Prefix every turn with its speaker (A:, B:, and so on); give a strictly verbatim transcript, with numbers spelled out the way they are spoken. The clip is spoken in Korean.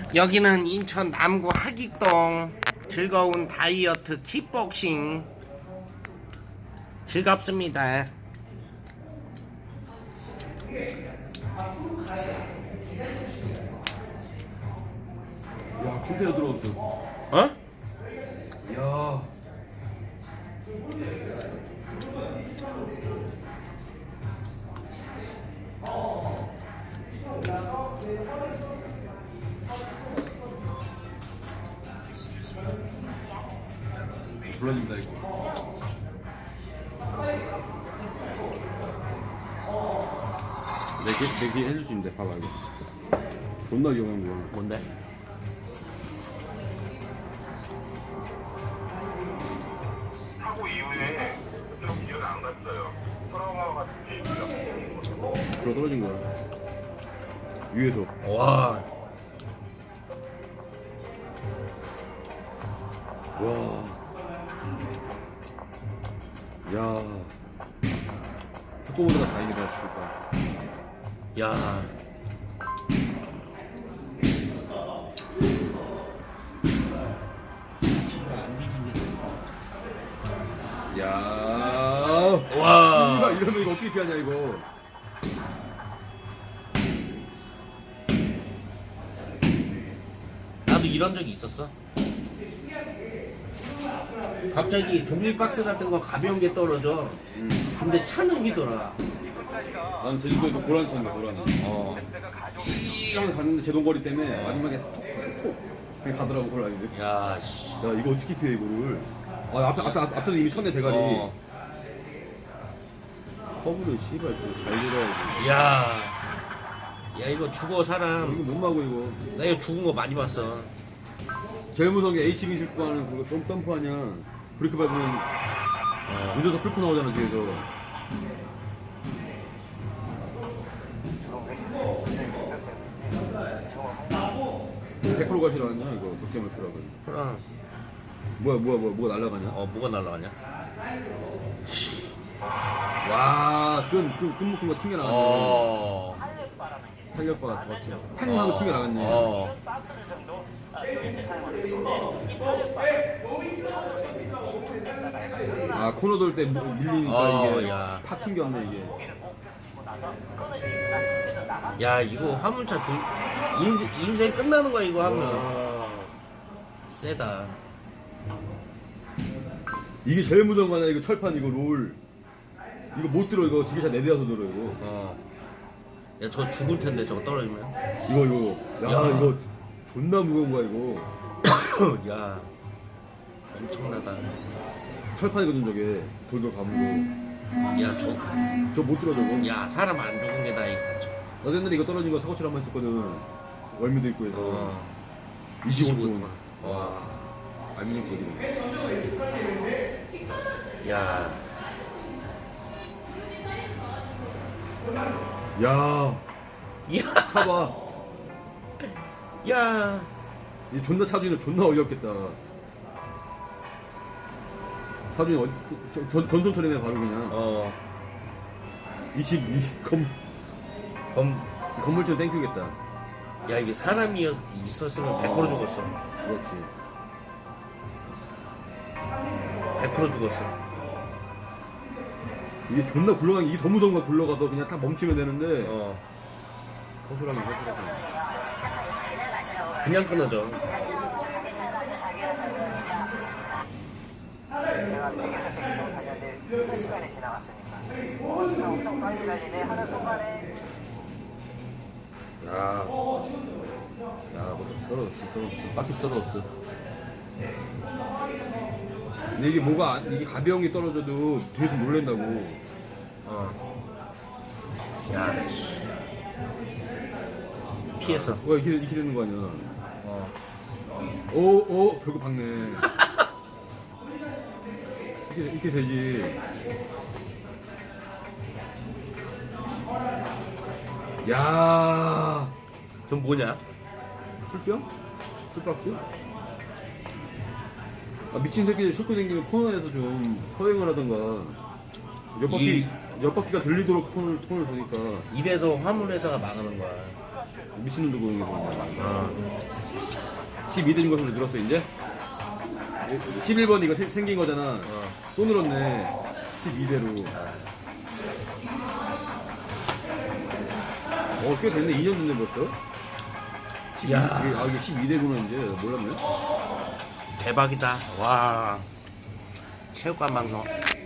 A: 여기는 인천 남구 하익동 즐거운 다이어트 킥복싱 즐겁습니다.
B: 야, 컨테이너 들어왔어.
A: 어?
B: 야. 불러진다 이거. 내게 내게 해줄 수 있는데 봐봐 이거. 존나 위험한 거야.
A: 뭔데?
C: 사고 이후에 좀 이해가 안 갔어요. 트라우마 같은 게 있어요.
B: 불어 떨어진 거야. 위에서.
A: 와.
B: 와. 야. 속보보다 다행이다 진짜.
A: 야.
B: 야.
A: 와.
B: 이러면 이거 어떻게 피하냐 이거.
A: 나도 이런 적이 있었어. 갑자기 종이박스 같은 거 가벼운 게 떨어져. 근데 차는 기더라.
B: 나는 제주도에서 고라니 쳤는데 고라니.
A: 어.
B: 이러면 갔는데 제동거리 때문에 마지막에 톡톡 그냥 가더라고 고라니들.
A: 야, 씨.
B: 야 이거 어떻게 피해 이거를. 아 앞에 앞에 앞, 앞전에 이미 쳤네 대가리.
A: 어.
B: 커브를 씨발 좀잘 들어야지.
A: 야. 야, 이거 죽어, 사람.
B: 이거 못 막어 이거.
A: 나 이거 죽은 거 많이 봤어.
B: 제일 무서운 게 H빙 싣고 하는 그거 점, 점프 하냐. 브레이크 밟으면 늦어서 뚫고 나오잖아 뒤에서. 백 퍼센트 가시라 하냐 이거 덕점을 주라고.
A: 그럼.
B: 뭐야 뭐야 뭐야 뭐가 날아가냐.
A: 어, 뭐가 날라가냐?
B: 와끈끈끈 묶은 거 튕겨 나갔네.
A: 어.
B: 살려봐 정확히 팽 하고 튕겨 나갔네.
A: 어.
B: 아 코너 돌 때 밀리니까
A: 어,
B: 이게
A: 야.
B: 팍 튕겼네 이게.
A: 야, 이거 화물차 조... 인생, 인생 끝나는 거야, 이거 하면.
B: 와.
A: 세다.
B: 이게 제일 무서운 거 아니야 이거 철판 이거 롤. 이거 못 들어 이거 지게차 네 대여서 들어 이거.
A: 어. 야, 저 죽을 텐데, 저거 떨어지면.
B: 이거 이거 야,
A: 야.
B: 이거 존나 무거운 거야 이거.
A: 야. 엄청나다.
B: 철판이거든 저게 돌돌 감고.
A: 야, 저.
B: 저 못 들어 저거.
A: 야, 사람 안 죽은 게 다행이다.
B: 나 옛날에 이거 떨어진 거 사고칠 한번 했었거든. 월미도 있고 해서.
A: 어.
B: 이십오 톤.
A: 어.
B: 와. 알미늄 거리네.
A: 야.
B: 야.
A: 야.
B: 차봐.
A: 야.
B: 이 존나 차주인은 존나 어이없겠다. 차주인 어디, 전, 전, 전선 처리네 바로 그냥.
A: 어.
B: 이십이 건,
A: 검.
B: 건물주는 땡큐겠다.
A: 야, 이게 사람이 있었으면 백 퍼센트 죽었어.
B: 그렇지.
A: 백 퍼센트 죽었어.
B: 이게 존나 굴러간 게 이게 더 무서운 거야. 굴러가서 그냥 딱 멈추면 되는데.
A: 어.
B: 허술하면 허술하고.
A: 그냥 끊어져.
D: 제가 백에서 백십으로 달렸는데 순식간에 지나갔으니까 어, 진짜 엄청 빨리 달리네 하는 순간에
B: 야. 야, 뭐 떨어졌어, 떨어졌어. 바퀴 떨어졌어. 근데 이게 뭐가, 안- 이게 가벼운 게 떨어져도 뒤에서 놀랜다고.
A: 어. 야. 피했어.
B: 왜 이렇게, 이렇게 되는 거 아니야.
A: 어.
B: 오, 오, 별거 박네. 이렇게, 이렇게 되지. 야,
A: 전 뭐냐?
B: 술병? 술박스? 아, 미친 새끼들 싣고 다니면 코너에서 좀 서행을 하던가. 옆 바퀴,
A: 이-
B: 옆 바퀴가 들리도록 폰을, 폰을 보니까.
A: 이래서 화물회사가 망하는 거야.
B: 미친놈도 보는 게 그런 거야.
A: 어.
B: 십이 대인 것으로 늘었어 이제. 십일 번 이거 세- 생긴 거잖아. 또 늘었네. 십이 대로. 어, 꽤 됐네. 이 년 됐네 벌써. 십이,
A: 야.
B: 이게, 아 이게 십이 대구나 이제. 몰랐네.
A: 대박이다. 와. 체육관 방송.